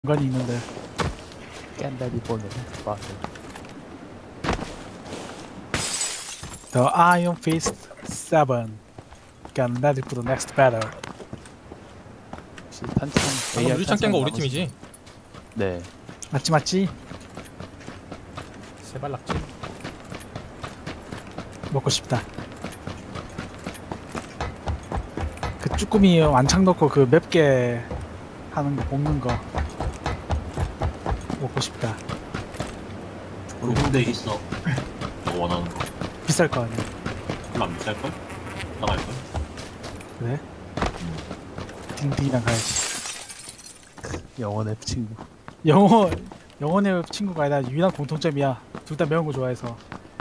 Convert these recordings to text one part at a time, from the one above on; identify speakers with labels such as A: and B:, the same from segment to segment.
A: 공간이 있는데.
B: 깬다리 보는 바스.
A: The Iron Fist 7 Get ready for the next battle.
B: 혹시 탄창
C: 방금 유리창 깬 거 우리 팀이지?
B: 네.
A: 맞지?
C: 세발 낙지.
A: 먹고 싶다. 그 쭈꾸미 완창 넣고 그 맵게 하는 거 볶는 거 먹고 싶다.
D: 군대 있어. 너 원하는 거.
A: 비쌀 거 아니야.
D: 별로 안 비쌀걸? 나갈걸?
A: 그래? 딩딩이랑 가야지.
B: 영혼의 친구.
A: 영혼의 친구가 아니라 유일한 공통점이야. 둘 다 매운 거 좋아해서.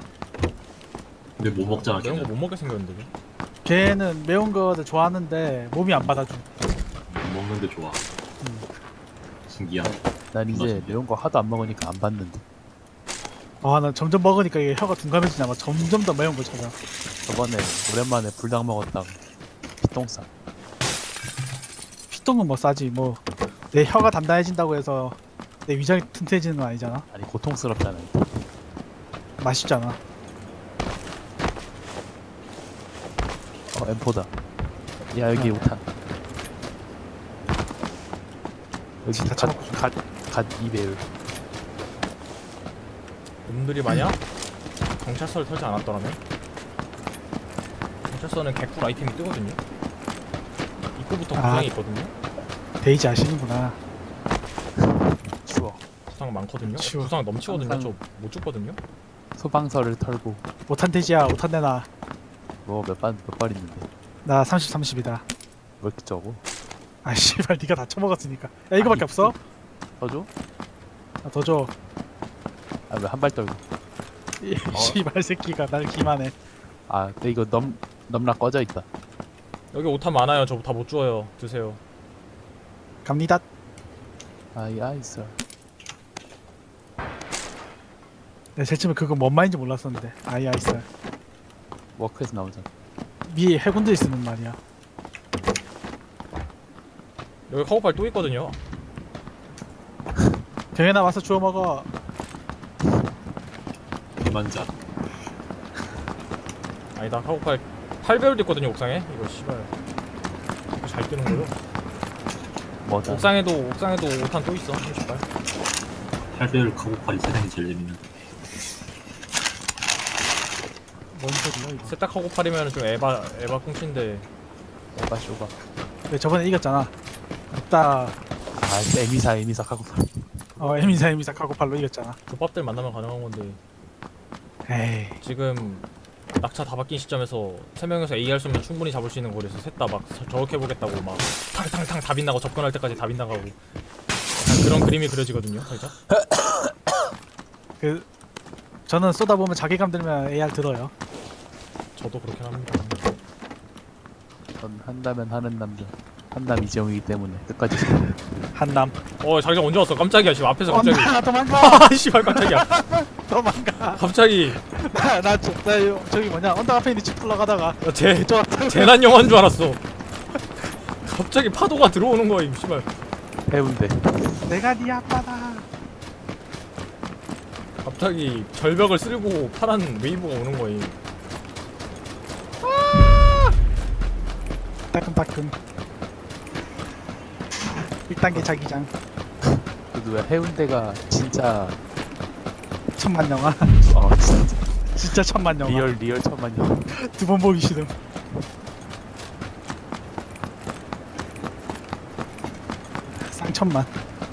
D: 근데 못 먹잖아.
C: 이런
D: 걔는.
C: 거 못 먹게 생겼는데. 왜?
A: 걔는 매운 거를 좋아하는데 몸이 안 받아줘.
D: 못 먹는데 좋아. 신기하네.
B: 난 이제 매운 거 하도 안 먹으니까 안 받는데.
A: 나 점점 먹으니까 이게 혀가 둔감해지나 봐. 점점 더 매운 거 찾아.
B: 저번에 오랜만에 불닭 먹었다고 피똥싸.
A: 피똥은 뭐 싸지. 뭐 내 혀가 단단해진다고 해서 내 위장이 튼튼해지는 건 아니잖아.
B: 아니 고통스럽잖아.
A: 맛있잖아.
B: M4다. 야 여기 우탄. 여기
A: 진짜 처먹고 싶다.
B: 갓 2배율.
C: 놈들이 마냥 경찰서를 털지 않았더라면 경찰서는 개꿀 아이템이 뜨거든요. 입구부터 구상이 있거든요.
A: 데이지 아시는구나.
B: 추워.
C: 구상 많거든요.
A: 치워.
C: 구상 넘치거든요.
B: 항상-
C: 저 못 죽거든요.
B: 소방서를 털고
A: 못한 돼지야. 못한 내놔.
B: 뭐 몇 발 있는데
A: 나 30, 30이다.
B: 왜 이렇게 적어?
A: 아 씨발 니가 다 처먹었으니까. 야 이거밖에 없어?
B: 터줘?
A: 더 줘.
B: 아 왜 한 발 떨고?
A: 이 씨발 새끼가 날 기만해.
B: 아 근데 이거 넘락 꺼져 있다.
C: 여기 오탄 많아요. 저 다 못 주워요. 드세요.
A: 갑니다.
B: 아이스.
A: 내가 제일 처음에 그거 뭔 말인지 몰랐었는데. 아이스.
B: 워크에서 나오잖아.
A: 미 해군들이 쓰는 말이야.
C: 여기 카고팔 또 있거든요.
A: 병현아 와서 주워 먹어.
D: 대만자.
C: 아니다. 카고팔 8배율도 있거든요. 옥상에. 이거 씨발. 이거 잘 뜨는 거요.
B: 뭐다?
C: 옥상에도 오탄 또 있어. 30발.
D: 8배율 카고팔이 세상에 제일 재밌는.
A: 뭔 소리야 이거.
C: 세탁 카고팔이면 좀 에바 꽁치인데.
B: 에바 쇼바.
A: 왜 저번에 이겼잖아. 없다.
B: 아 에미사 하고
A: 에미사 카고팔로 이겼잖아.
C: 조밥들 만나면 가능한 건데.
A: 에이.
C: 지금 낙차 다 바뀐 시점에서 3명에서 AR 쏘면 충분히 잡을 수 있는 거리에서 셋 다 막 저렇게 해보겠다고 막 탕탕탕 다 빗나가고 접근할 때까지 다 빗나가고 약간 그런 그림이 그려지거든요 살짝.
A: 저는 쏘다 보면 자괴감 들면 AR 들어요.
C: 저도 그렇긴 합니다.
B: 전 한다면 하는 남자. 한남 이재용이기 때문에 끝까지.
A: 한남.
C: 자기장 언제 왔어? 깜짝이야 지금 앞에서 갑자기.
A: 도망가.
C: 아 씨발 깜짝이야.
A: 도망가.
C: 갑자기
A: 나 저기 뭐냐 언덕 앞에 있는 집 올라가다가
C: 재난 영화인 줄 알았어. 갑자기 파도가 들어오는 거야 이 씨발.
B: 해운대.
A: 내가 네 아빠다.
C: 갑자기 절벽을 쓸고 파란 웨이브가 오는 거임.
A: 따끔따끔. 1단계 자기장.
B: 그래도 왜 해운대가 진짜
A: 천만 영화.
B: 진짜
A: 진짜 천만 영화.
B: 리얼 천만 년.
A: 두 번 보기 싫음. 쌍천만.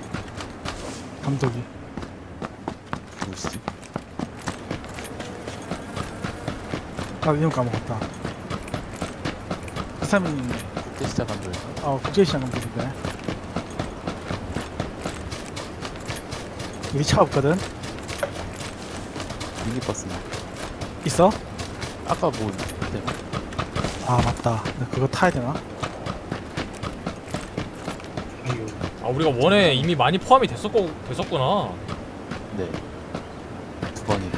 A: 감독이.
B: 뭐지?
A: 나 이름 까먹었다. 그 사람이
B: 국제시장 감독인가?
A: 국제시장 감독인데. 우리 차 없거든.
B: 미니버스나.
A: 있어?
B: 아까 뭐 그때
A: 아 맞다. 나 그거 타야 되나?
C: 우리가 원에 이미 많이 포함이 됐었구나.
B: 네. 2번이네.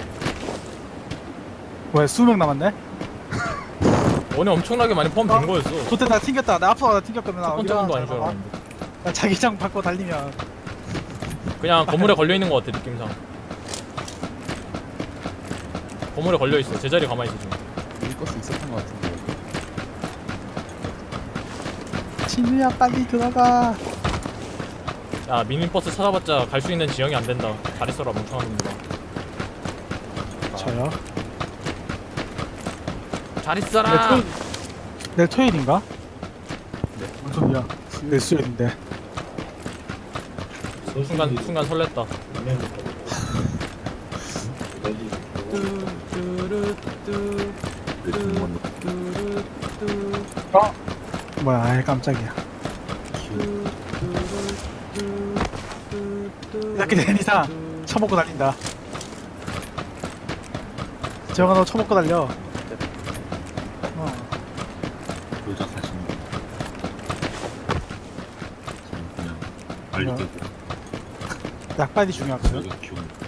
A: 왜 수명 남았네?
C: 원에 엄청나게 많이 포함된 거였어.
A: 그때 다 튕겼다. 나 앞으로 다 튕겼거든.
C: 첫 번째 건도 아닌 줄
A: 나
C: 알았는데.
A: 자기장 받고 달리면
C: 그냥 건물에 걸려 있는 것 같아 느낌상. 건물에 걸려 있어. 제자리 가만히 있어 지금.
B: 미니버스 있었던 것 같은데.
A: 진우야 빨리 들어가.
C: 야 미니버스 찾아봤자 갈 수 있는 지형이 안 된다. 잘했어라 멍청한 놈들아.
A: 저요?
C: 잘했어라.
A: 내일 토요일인가?
B: 네.
A: 무슨 소리야? 내일 수요일인데.
C: 순간 설렜다.
A: 어? 뭐야? 아이 깜짝이야. 이렇게 된 이상 처먹고 달린다. 재영아 너 처먹고 달려.
D: 조작하시는 거. 그냥 빨리
A: 뭐야?
D: 깨고
A: 약발이 중요하거든.
D: 여기 키우는 거.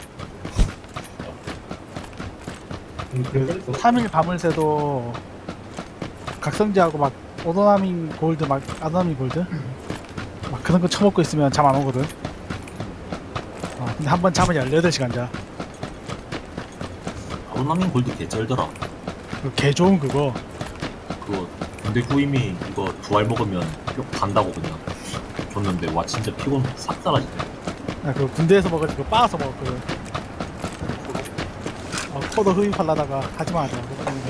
A: 3일 밤을 새도 각성제하고 막 오도나민 골드 막 아도나민 골드 막 그런 거 처먹고 있으면 잠 안 오거든. 근데 한 번 잠은 18시간 자.
D: 아웃라민 골드 개쩔더라.
A: 개 좋은 그거.
D: 그거 근데 후임이 이거 두 알 먹으면 뿅 간다고 그냥 줬는데 와 진짜 피곤 싹 사라지네.
A: 나 그거 군대에서 먹어가지고 빻아서 먹었거든. 코도 흡입하려다가 하지마 하자.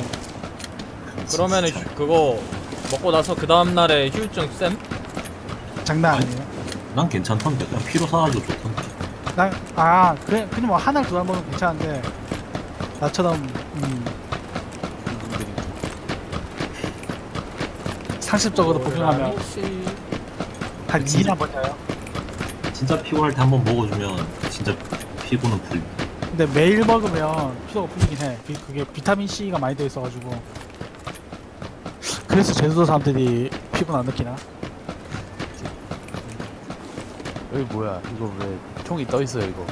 C: 그러면은 그거 먹고 나서 그 다음 날에 휴유증 쌤?
A: 장난 아니에요.
D: 난 괜찮던데 그냥 피로 사라지고 좋던데.
A: 그래 그냥 뭐 한 알 두 알 먹으면 괜찮은데 나처럼
B: 분들이
A: 상습적으로 복용하면 한 2일 한 번이에요.
D: 진짜 피곤할 때 한번 먹어주면 진짜 피곤은 풀.
A: 근데 매일 먹으면 피로가 풀리긴 해. 그게 비타민 C가 많이 되어 있어가지고. 그래서 제주도 사람들이 피곤 안 느끼나?
B: 여기 뭐야? 이거 왜 총이 떠 있어요 이거?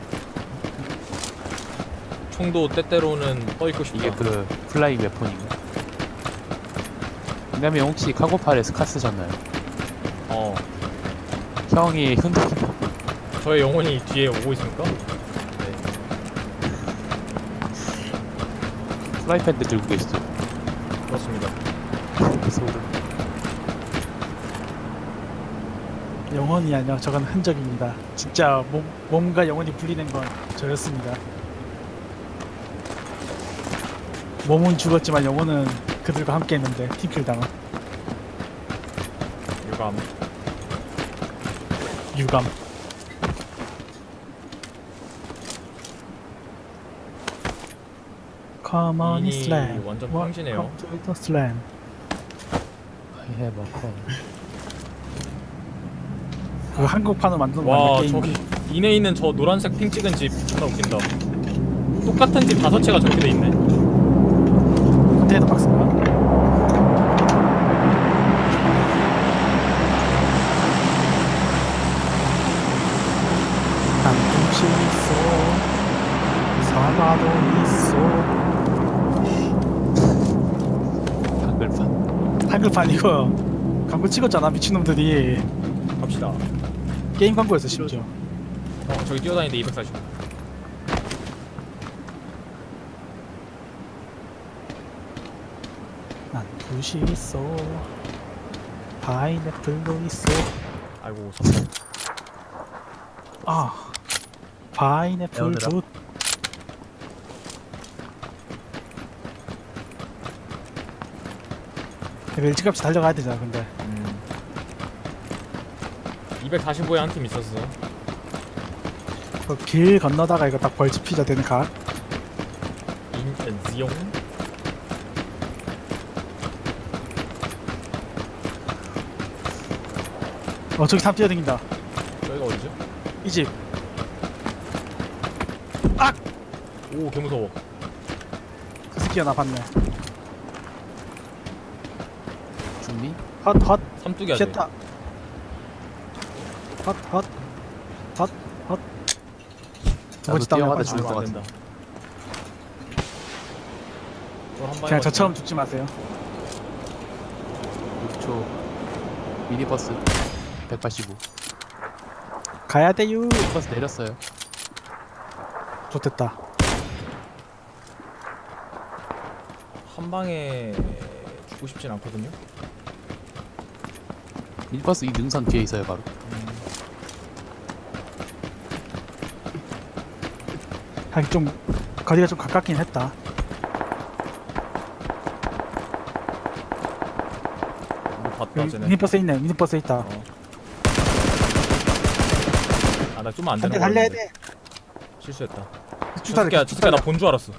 C: 총도 때때로는 떠있고 싶다.
B: 이게 그 플라잉 웨폰인가? 왜냐면 혹시 카고팔에 스카 쓰셨나요?
C: 어.
B: 형이 흔들린다.
C: 저의 영혼이 뒤에 오고 있습니까?
B: 프라이팬도 들고 계시죠?
C: 그렇습니다.
B: 소름.
A: 영혼이 아니라 저건 흔적입니다. 진짜 몸과 영혼이 분리된 건 저였습니다. 몸은 죽었지만 영혼은 그들과 함께 했는데 팀킬 당한
C: 유감.
A: 유감. Come on,
C: 미니
A: slam.
C: 완전 평지네요.
A: Welcome to the slam.
B: I have a call.
A: 그 한국판으로 만든 거
C: 와
A: 맞나 게임?
C: 저기 이내 있는 저 노란색 핑 찍은 집 존나 웃긴다. 똑같은 집 5채가 저렇게 돼 있네.
A: 컨테이너 박스인가? 한숨 있어 사과도 있어.
B: 한글판.
A: 한글판 이거 광고 찍었잖아 미친놈들이.
C: 갑시다.
A: 게임 광고였어 심지어.
C: 저기 뛰어다니는데 245.
A: 난 굿이 있어 파인애플도 있어.
C: 아이고 선물.
A: 파인애플
B: 배우느라.
A: 굿. 일찌감치 달려가야 되잖아 근데.
C: 245에 한 팀 있었어.
A: 그 길 건너다가 이거 딱 벌집 피자 되는 각.
C: 인지용.
A: 저기 사람 뛰어다닌다.
C: 저기가 어디죠?
A: 이 집.
C: 오 개무서워.
A: 그 새끼가 나 봤네.
B: 죽니?
A: 헛헛
C: 삼뚝이야 돼.
A: 쉣다. 헛헛 헛헛.
B: 나도 뛰어가다
A: 아,
B: 죽을 것 같은데.
A: 그냥 저처럼 죽지 마세요.
B: 6초. 미니버스 185.
A: 가야 돼요.
B: 버스 내렸어요.
A: 좋됐다.
C: 한 방에 죽고 싶진 않거든요.
B: 밀버스 이 능선 뒤에 있어요 바로.
A: 하긴 좀 거리가 좀 가깝긴 했다.
C: 이거 봤다
A: 여기
C: 쟤네.
A: 미니버스 있네. 미니버스 있다.
C: 아 나 좀만 안
A: 안돼
C: 되는 거
A: 달려야
C: 같은데.
A: 돼.
C: 실수했다.
A: 주사를
C: 저 새끼야 나 본 줄 알았어.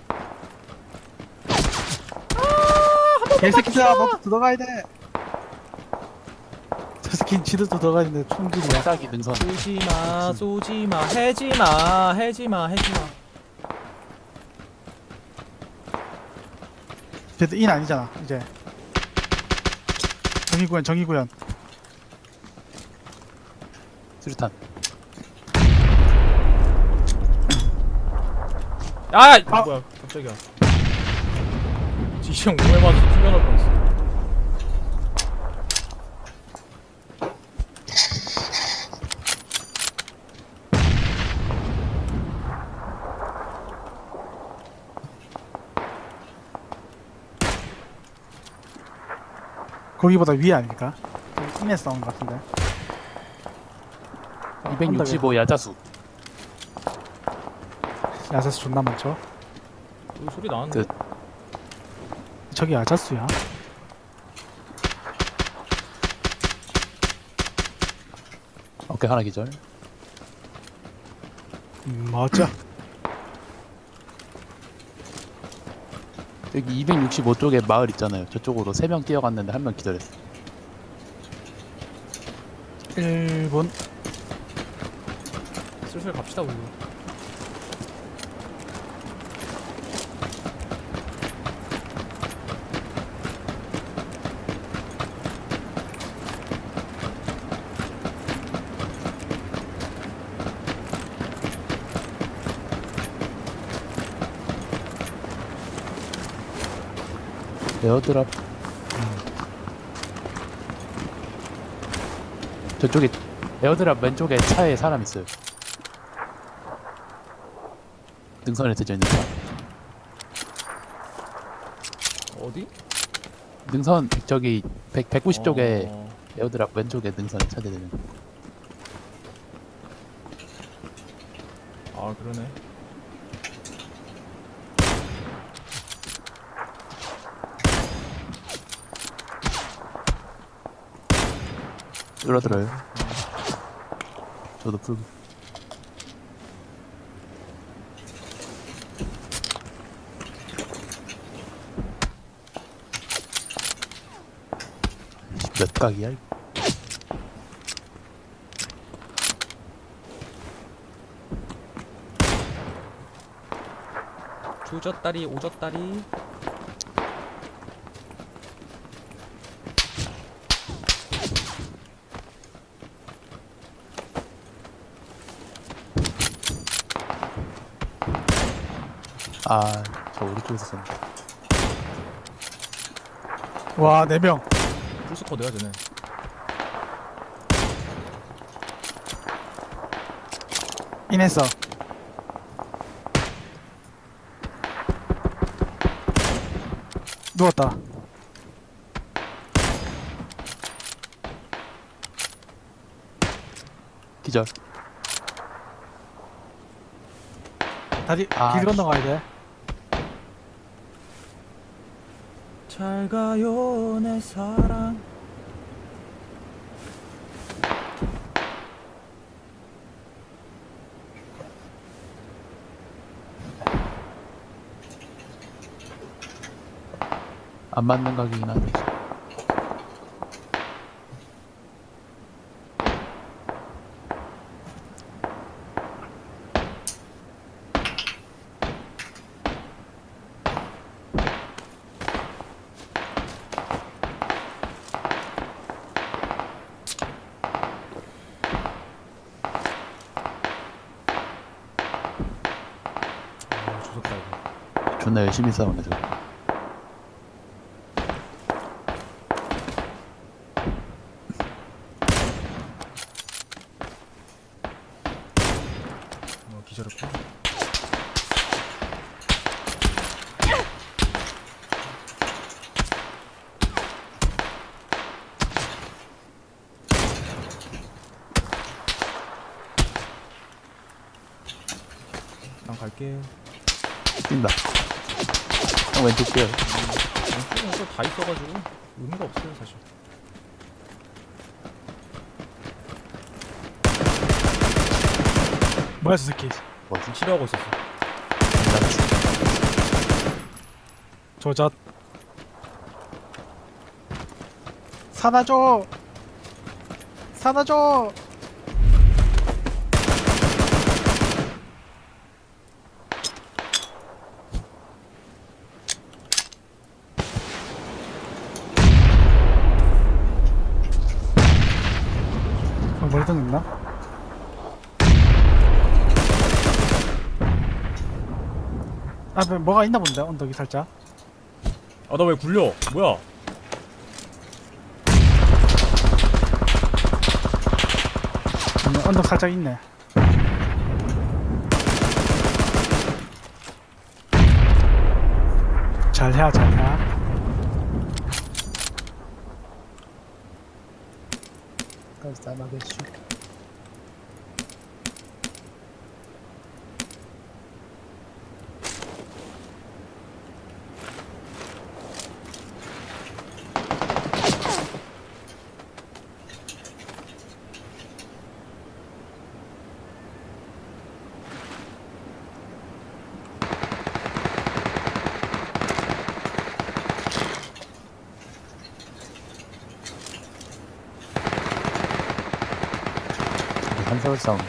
A: 개새끼들아 너도 들어가야 돼. 저 새끼 지도 들어가야 되는데 총질이야.
B: 짝이 능선.
C: 쏘지마 쏘지마 해지마 해지마 해지마.
A: 그래도 인 아니잖아 이제. 정의구현 정의구현.
B: 수류탄.
C: 아 뭐야 갑자기야. 지시형 몸에 맞아서 튕겨날 뻔했어.
A: 거기보다 위에 아닐까? 인에 싸운 것 같은데.
B: 265 야자수.
A: 야자수 존나 많죠.
C: 여기 소리 나는데.
A: 저기 야자수야.
B: 오케이 하나 기절.
A: 맞아.
B: 여기 265쪽에 마을 있잖아요. 저쪽으로 3명 뛰어갔는데 1명 기절했어.
A: 1분.
C: 슬슬 갑시다 우리.
B: 에어드랍. 저쪽에 에어드랍 왼쪽에 차에 사람 있어요. 능선에 대져 있는 차.
C: 어디?
B: 능선 저기 190쪽에
C: 어...
B: 에어드랍 왼쪽에 능선에 차 대는.
C: 아 그러네.
B: 줄어들어요. 저도 풀. 몇 각이야? 이거?
C: 조졌다리 오졌다리.
B: 아, 저 오른쪽에서 쏜다.
A: 와 4명.
C: 풀스쿼드야 쟤네.
A: 인했어. 누웠다.
B: 기절.
A: 다리
B: 아,
A: 길 건너가야 돼.
C: 잘 가요 내 사랑.
B: 안 맞는 각이긴 한데.
C: 아 조졌다 이거.
B: 존나 열심히 싸우네 저거.
C: 기절했구나. 난 갈게.
B: 뛴다. 형 왼쪽 뛰어.
C: 왼쪽에 다 있어가지고 의미가 없어요 사실.
A: 뭐야 저 새끼.
B: 뭐지?
C: 치료하고 있었어.
A: 조졌. 사다줘. 사다줘. 머리 떴나? 아, 뭐가 있나 본데 언덕이 살짝.
C: 아 나 왜 굴려? 뭐야?
A: 언덕 살짝 있네. 잘해, 잘해.
B: 깜짝하겠슈. 한세월 싸움.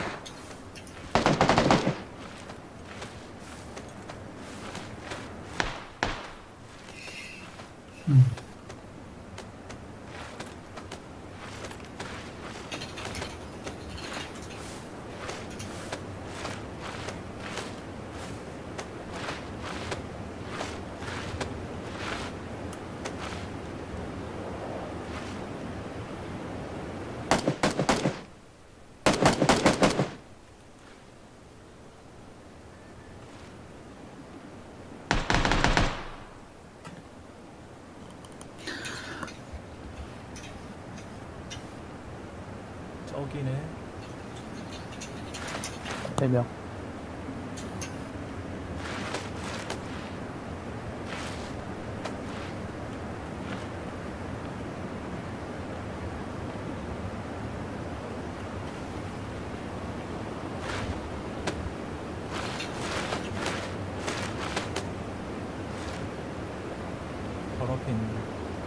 C: 저기네.
B: 3명.
C: 바로 앞에 있는.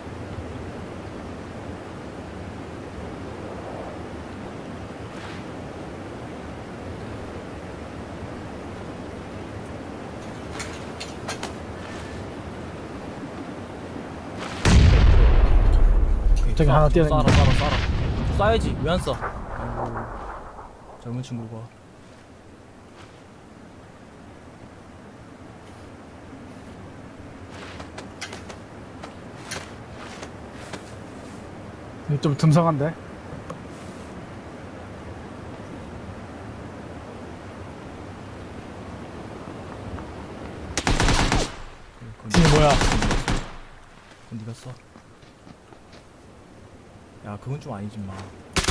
A: 저기 하나 뛰어있네.
C: 쏴라. 쏴야지. 왜 안 쏴? 아이고. 젊은 친구가.
A: 이거 좀 듬성한데? 뒤에 뭐야?
C: 그건 네가 써. 야, 그건 좀 아니지 마.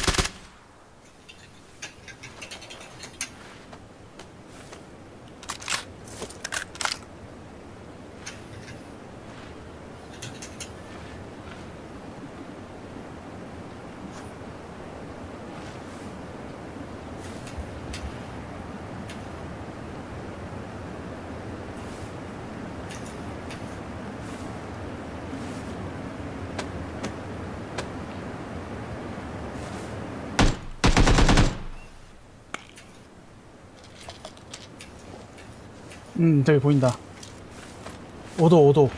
A: 저기 보인다. 5도, 5도.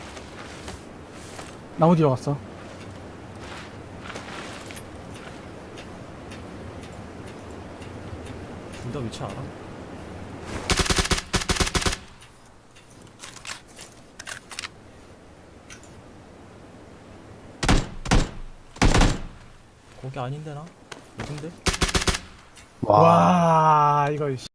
A: 나무 뒤로 갔어.
C: 둘 다 위치 알아? 거기 아닌데 나? 어딘데?
B: 와.
A: 와, 이거.